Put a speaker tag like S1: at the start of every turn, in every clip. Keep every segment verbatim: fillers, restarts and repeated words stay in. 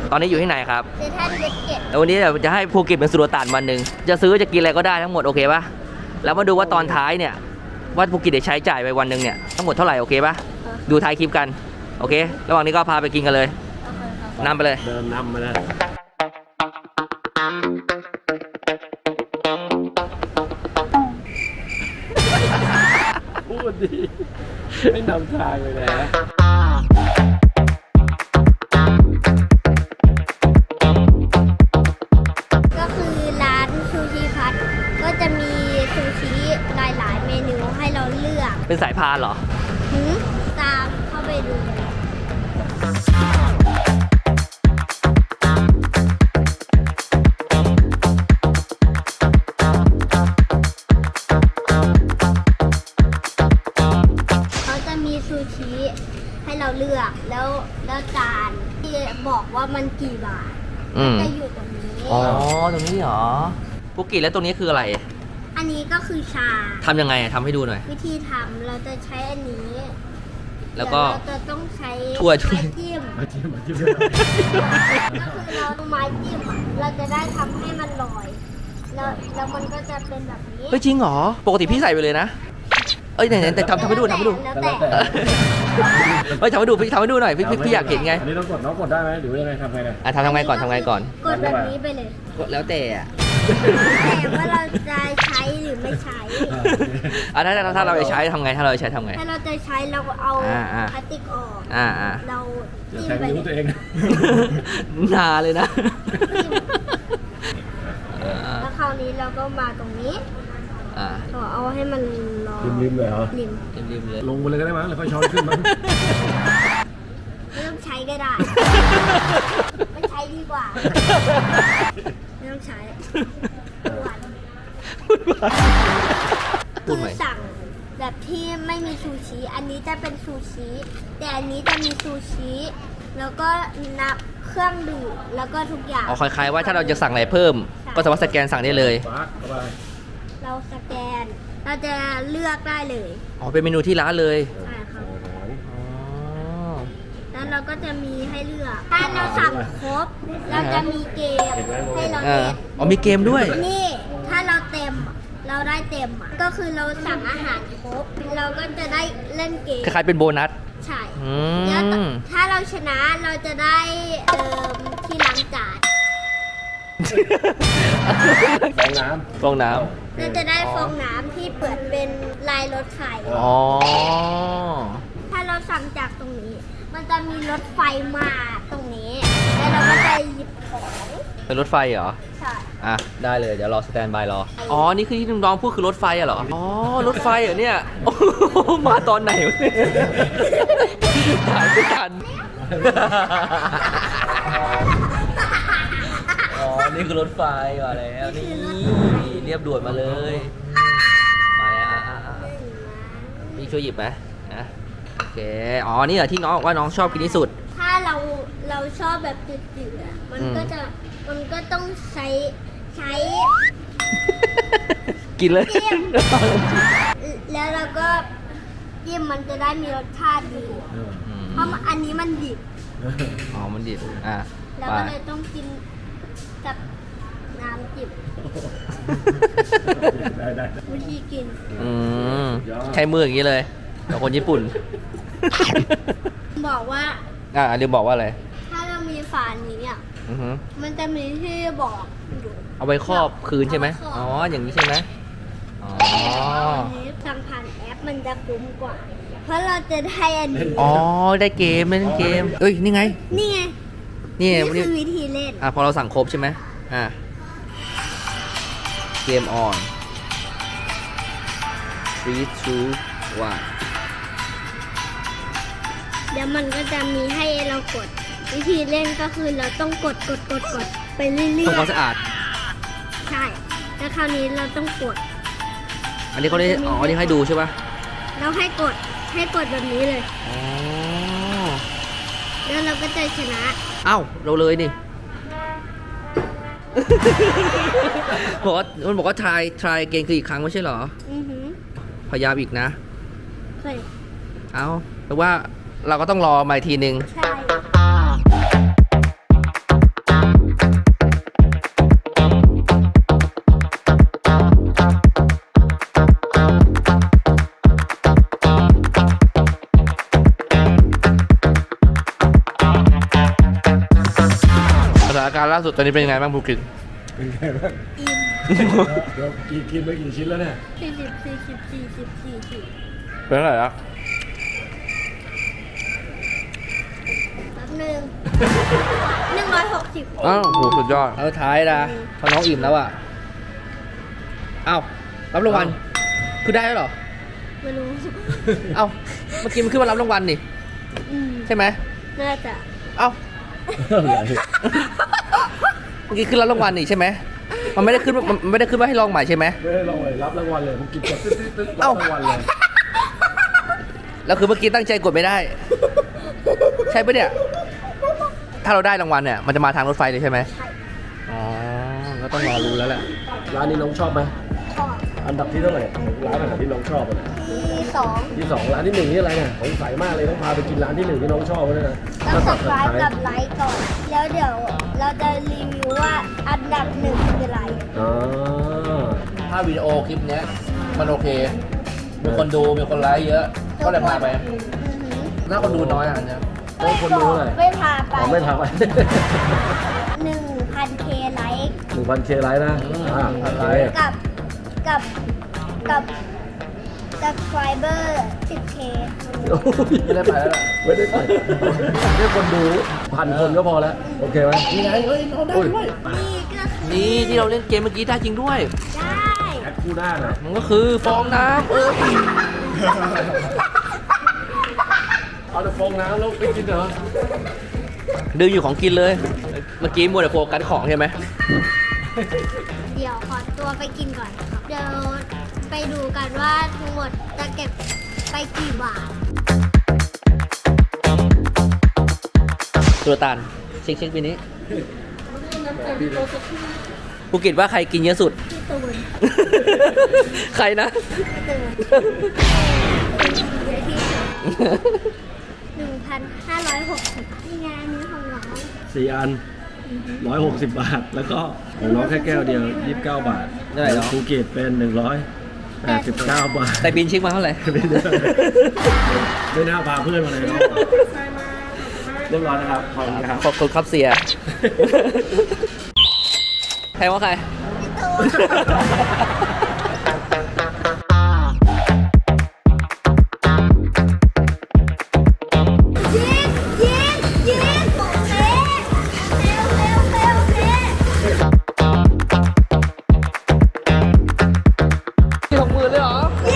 S1: ตอนนี้อยู่ที่ไหนครับ
S2: เซนทรัลเวสเกต
S1: แล้ววันนี้เดี๋ยวจะให้ภูเก็ตเป็นสุลต่านวันหนึ่งจะซื้อจะกินอะไรก็ได้ทั้งหมดโอเคปะแล้วมาดูว่าตอนท้ายเนี่ยว่าภูเก็ตได้ใช้จ่ายไปวันหนึ่งเนี่ยทั้งหมดเท่าไหร่โอเคปะดูท้ายคลิปกันโอเค ระหว่างนี้ก็พาไปกินกันเลยนำไปเลย
S3: เดินนำมาเลยพูดดีไม่นำทางเลยนะ
S2: ก็คือร้านซูชิพัทก็จะมีซูชิหลายๆเมนูให้เราเลือก
S1: เป็นสายพานเหรอ
S2: หืมตามเข้าไปดูเลยเขาจะมีซูชิให้เราเลือกแล้วแล้วจานที่บอกว่ามันกี่บาท
S1: อืม
S2: จะอยู่ตรงนี้
S1: อ๋อตรงนี้เหรอภูเก็ตแล้วตรงนี้คืออะไร
S2: อันนี้ก็คือชา
S1: ทำยังไงทำให้ดูหน่อย
S2: วิธีทำเราจะใช้อันนี้
S1: แล้วก็
S2: เดี๋ยเราจะต้องใช้
S1: ถ้วยถ้วย
S2: ไม้จิ้ม
S3: มาจิ้มมาจิ้ม
S2: ก็คือเราเอาไม้จิ้มอะเราจะได้ทำให้มันลอยแล้วแล้วมันก็จะเป็นแบบนี้
S1: เฮ้ยจริงเหรอปกติพี่ใส่ไปเลยนะเอ้ยไหนๆแต่ทำทำให้ดูทำให้ดู
S2: แล้วแต่
S1: เฮ้ยทำให้ดูพี่ทำให้ดูหน่อยพี่พี่พี่อยากเห็นไง
S3: อันนี้ต้องกดน้องกดได้ไหมหรือว่ายังไงทำไงเนี่ย
S1: อ่ะทำทำไงก่อนทำไงก่อน
S2: กดแบบนี้ไปเลย
S1: แล้วแต่อ่ะ
S2: แต่ว่าเราจะใช้หรือไม่ใช้
S1: อ่ะถ้าถ้าถ้าเราจะใช้ทำไงถ้าเราจะใช้ทำไง
S2: ถ้าเราจะใช้เราเอา
S1: อ่าอ่า
S2: พลาสติกออก
S1: อ่าอ่า
S2: เรา
S3: อย่า
S2: จิ้ม
S3: ใช้
S2: ไป
S3: นิ้ว
S2: เล
S3: ตัวย เอง
S1: นาเลยนะ
S2: แล้วคราวนี้เราก็มาตรงนี้
S1: อ่า
S2: ก็เอาให้มันรอ
S3: ริมๆเลยเหรอ
S2: ริม
S1: ริมๆเลย
S3: ลงไปเลยก็ได้มั้งหรือค่อยช้อนขึ้นมั้ง
S2: ไม่ต้องใช้ก็ได้ ไม่ใช้ดีกว่า ไม่ต้องใช้หวาน
S1: พูด
S2: คื
S1: ใหม่
S2: อสั่งแบบที่ไม่มีซูชิ อันนี้จะเป็นซูชิ แต่อันนี้จะมีซูชิ แล้วก็นับเครื่องดื่มแล้วก็ทุกอย่าง
S1: อ๋อคล้ายๆว่าถ้าเราจะสั่งอะไรเพิ่ม ก็สามารถสแกนสั่งได้เลย
S3: ปักเข้าไป
S2: เราสแกน เราจะเลือกได้เลย
S1: อ๋อเป็นเมนูที่ร้านเลย
S2: ใช่ครับ
S1: อ๋อ
S2: แล้วเราก็จะมีให้เลือก ถ้าเราสั่งครบ เราจะมีเกมให้เรา
S1: อ่า
S2: เล่น
S1: อ๋อมีเกมด้วย
S2: นี่ ถ้าเราเต็ม เราได้เต็มอะก็คือเราสั่งอาหารครบ เราก็จะได้เล่นเกม
S1: คล้ายๆเป็นโบนัส
S2: ใช่
S1: อื
S2: แล้ว
S1: ม
S2: ถ้าเราชนะเราจะได้เอ่อที่ล้างจาน
S3: ฟองน้
S1: ฟองน้
S2: เราจะได้ฟองน้ำที่เปิดเป็นลายรถไฟ
S1: ำอ๋อ
S2: ถ้าเราสั่งจากตรงนี้ มันจะมีรถไฟมาตรงนี้ แล้วเราก็จะหยิบของ
S1: เป็นรถไฟเหรอ
S2: ใช่
S1: อ่ะ ได้เลย เดี๋ยวรอสแตนบายรอ อ๋อ นี่คือที่น้องๆพูดคือรถไฟอะเหรอ อ๋อ รถไฟเหรอเนี่ย โอ้โหมาตอนไหนวะเนี่ยถ่ายไม่ทัน อ๋อ นี่คือรถไฟมาแล้ว นี่เรียบด่วนมาเลย มาแล้วอ่ะอ่ะอ่ะพี่ช่วยหยิบไหมนะโอเค อ๋อ นี่เหรอที่น้องบอกว่าน้องชอบกินที่สุด
S2: ถ้าเราเราชอบแบบจืดๆอะมัน
S1: อืม
S2: ก็จะมันก็ต้องใช้ใช้
S1: กินเลย
S2: จิ้ม แล้วเราก็จิ้มมันจะได้มีรสชาติดี
S3: ำเออ
S2: เพราะอันนี้มันดิบ
S1: อ๋อ มันดิบอ่ะ
S2: แล้ว
S1: ไป
S2: ก็เลยต้องกินกับน้ำจิบ
S3: ได้ได้
S2: วิธีกิน
S1: อืม
S3: ยอด
S1: ใช้มืออย่างนี้เลยกับคนญี่ปุ่น
S2: บอกว่า
S1: อ่ะลืมบอกว่าอะไร
S2: ถ้าเรามีฝานี้อ่ะ
S1: อือฮึ
S2: มันจะมีที่บอกอยู่
S1: เอาไว้ครอบคืนใช่ไหม
S2: เอาไว้ครอบ
S1: อ๋อ อย่างนี้ใช่ไหมอ๋อ
S2: อันนี้สั่งผ่านแอปมันจะคุ้มกว่า เพราะเราจะได้อันนี้
S1: อ๋อ ได้เกมเล่นเกม เอ้ย นี่ไง
S2: นี่ไง
S1: นี่
S2: นี่
S1: วัน
S2: คื
S1: นี้
S2: อวิธีเล่น
S1: อ่ะพอเราสั่งครบใช่ไหมอ่ะ เกมออน three two one
S2: เดี๋ยวมันก็จะมีให้เรากด วิธีเล่นก็คือเราต้องกดกดกดกดไปเรื่อย
S1: ทำความสะอาด
S2: ๆ ใช่ แล้วคราวนี้เราต้องกด
S1: อันนี้เขาได้อ๋ออันนี้ให้ดูใช่ป่ะ
S2: เราให้กดให้กดแบบนี้เลย
S1: อ๋อ
S2: แล้วเราก็จะชนะ
S1: เอ้า เราเลยนี่ บอกว่ามันบอกว่า try try เกมคืออีกครั้งไม่ใช่เหรอ
S2: อือหือ
S1: พยายามอีกนะ
S2: เคย
S1: เอาแปลว่าเราก็ต้องรอมาอีกทีนึง
S2: ใช่
S1: การล่าสุดตอนนี้เป็นยังไงบ้างภูกิน
S3: เป็นไงบ้าง
S2: อิ่ม
S3: เดี๋ยวกินกินไปกี่ชิ้นแล้วเนี่ย
S2: สี่สิบสี่สิบสี่สิบสี่สิบ
S1: เป็นเท่าไหร่ละ
S2: แป๊บหนึ่งหนึ่งร้อยหกสิบ
S1: อ้าวโหสุดยอดแล้วท้ายนะพอน้องอิ่มแล้วอ่ะอ้าวรับรางวัลคือได้แล้วเหรอ
S2: ไม่รู้
S1: เอ้าเมื่อกี้มันขึ้นมารับรางวัลนี่
S2: อืม
S1: ใช่ไหม
S2: น่าจะ
S1: เอ้า
S3: อะไร
S1: เมื่อกี้ขึ้นรับรางวัลนี่ใช่ไหมมันไม่ได้ขึ้นมันไม่ได้ขึ้นมาให้ลองใหม่ใช่ไหม
S3: ไม่ได้ลองเลยรับรางวัลเลยผมกินกดตึ๊ดตึ๊ดตึ๊ดรับ
S1: เอ้า
S3: รางวัลเลย
S1: แล้วคือเมื่อกี้ตั้งใจกดไม่ได้ ใช่ปะเนี่ย ถ้าเราได้รางวัลเนี่ยมันจะมาทางรถไฟเลยใช่ไหม
S2: ใช่
S1: อ๋อก็ต้องรอรู้แล้วแหละ
S3: ร้านนี้น้องชอบไหม
S2: ชอบ
S3: อันดับที่เท่าไหร่ร้านอันดับที่น้องชอบอะ
S2: ที่สอง
S3: ที่สองร้านที่หนึ่งนี่อะไรเนี่ยสงสัยมากเลยต้องพาไปกินร้านที่หนึ่งที่น้องชอบเลยนะ
S2: ต้อง
S3: ถ้า
S2: สับไล
S3: สับ
S2: ค์กับไลค์ก่อน แล้วเดี๋ยวเราจะรีวิวว่าอันดับหนึ่งคืออะไร
S3: อ๋อ
S1: ถ้าวิดีโอคลิปเนี้ยมันโอเค มีคนดู มีคนไลค์เยอะ ก็เลยพาไป
S2: อือหือ
S1: ถ้าคนดูน้อยอ่ะเนี่ย
S3: โอ้คนรู้เลย
S2: ไม่พาไป
S3: อ๋อไม่พาไป
S2: หนึ่งพันเคไลค์
S3: หนึ่งพันเคไลค์นะอ่าพันไลค์
S2: กับกับกับ subscriber สิบเค
S1: ไม่ได้ไปแล้วล่ะ
S3: ไม่ได้ไปแค่คนดูพันคนก็พอแล้ว โอเคไหม
S1: นี่ไงเฮ้ยเราได้ด้วย
S2: นี่ก็คือ
S1: นี่ที่เราเล่นเกมเมื่อกี้ได้จริงด้วย
S2: ได้
S3: แอดคู่หน้าหน่อย
S1: มันก็คือฟองน้ำเออ
S3: เอาแต่ฟองน้ำแล้วไปกินเหรอ
S1: ดึงอยู่ของกินเลย เมื่อกี้มัวแต่โฟกัสของใช่ไหม
S2: เดี๋ยวขอตัวไปกินก่อนนะครับ เดี๋ยวไปดูกันว่าทั้งหมดจะเก็บไปกี่บาท
S1: สุลต่านเช็คเช็คปีนี้ภูเก็ตว่าใครกินเยอะสุด
S2: พี่ตูน
S1: ใครนะ
S2: พี่ตูนหนึ่งพันห้าร้อยหกสิบนี่ไงอันนี้ของน้อง
S3: สี่อันร้อยหกสิบบาท แล้วก็ของน้องแค่แก้วเดียวยี่สิบเก้าบาท
S1: ได้เหรอ
S3: ภูเก็ตเป็นหนึ่งร้อยแปดสิบเก้าบาท
S1: แต่บินเช็คมาเท่าไหร่
S3: ไม่ได้ไม่น่าพาเพื่อนมาเลยเนาะเรียบร้อยนะครับขอบคุณครับ
S1: ขอบคุณครับเสีย ใครว่าใคร
S2: พี่ตูนยิงยิงยิงโอเคเร็วเร็วเร็วเร็ว
S1: ที่หกหมื่นเลยเหรอ
S2: เย้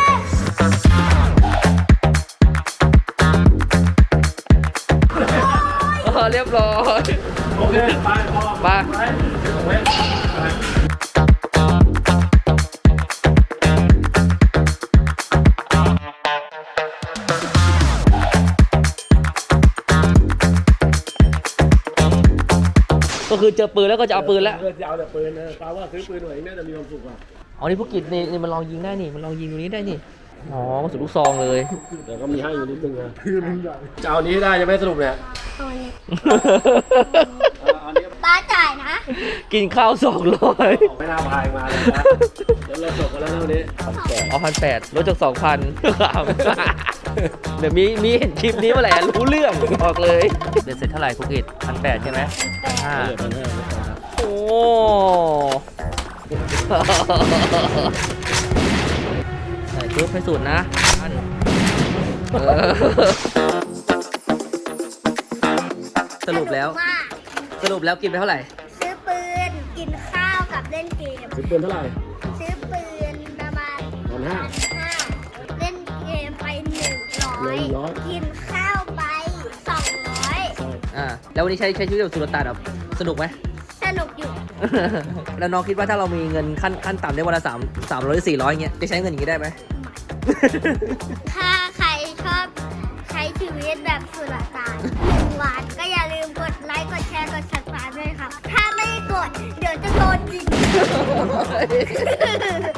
S1: เออเรียบร้อย
S3: โอเคไปพอ
S1: มา
S3: ไปเว้ยไป
S1: ก็คือเจอปืนแล้วก็จะเอาปืนแล้ว
S3: เออจะเอาแต่ปืนนะปาว่าซื้อปืนหน่อยน่าจะมีความสุขอ่ะ
S1: อ๋อ นี่ภูเก็ตนี่นี่มันลองยิงได้นี่ มันลองยิงตรงนี้ได้นี่ อ๋อกระสุนลูกซองเลย
S3: แต่ก็มีให้อยู่นิดนึงนะคือมันใหญ่จะเอานี้ให้ได้จะไม่สรุปเนี่ย
S2: เอาอันนี้
S3: เอาอันนี้
S2: ป้าจ่ายนะ
S1: กินข้าวสองร้อย
S3: ไม่น่าพายมาเลยนะเดี๋ยวเราจบกันแล้วนะวันนี้ทำแก่
S1: เอาพันแปดลดจากสองพันเดี๋ยวมีมีเห็นคลิปนี้เมื่อไหร่รู้เรื่องบอกเลยเด็ดเสร็จเท่าไหร่ภูเก็ตพันแปดใช่ไหมห้า
S3: เหลือพันห้าครับ
S1: โอ้ใส่ชุดให้สุดนะอันเออสรุปแล้ว
S2: ว่า
S1: สรุปแล้วกินไปเท่าไหร่
S2: ซื้อปืน กินข้าวกับเล่นเกม
S3: ซื้อปืนเท่าไหร่
S2: ซื้อปืนประมาณ
S3: พันห้า
S2: ห้าเล่นเกมไปหนึ่งร้อย
S3: หนึ่งร้อย
S2: กินข้าวไปสองร้อย
S1: อ่าแล้ววันนี้ใช้ใช้ชีวิตแบบสุลต่านแบบสนุกไหม
S2: สนุกอยู่
S1: แล้วน้องคิดว่าถ้าเรามีเงินขั้นขั้นต่ำได้วันละสามสามร้อยสี่ร้อยเงี้ยจะใช้เงินอย่างนี้ได้ไหม
S2: ถ้าใครชอบใช้ชีวิตแบบสุลต่านหนึ่งวันก็อย่าลืมกดไลค์ กดแชร์ กด ซับสไครบ์ ด้วยครับ ถ้าไม่กด เดี๋ยวจะโดนยิง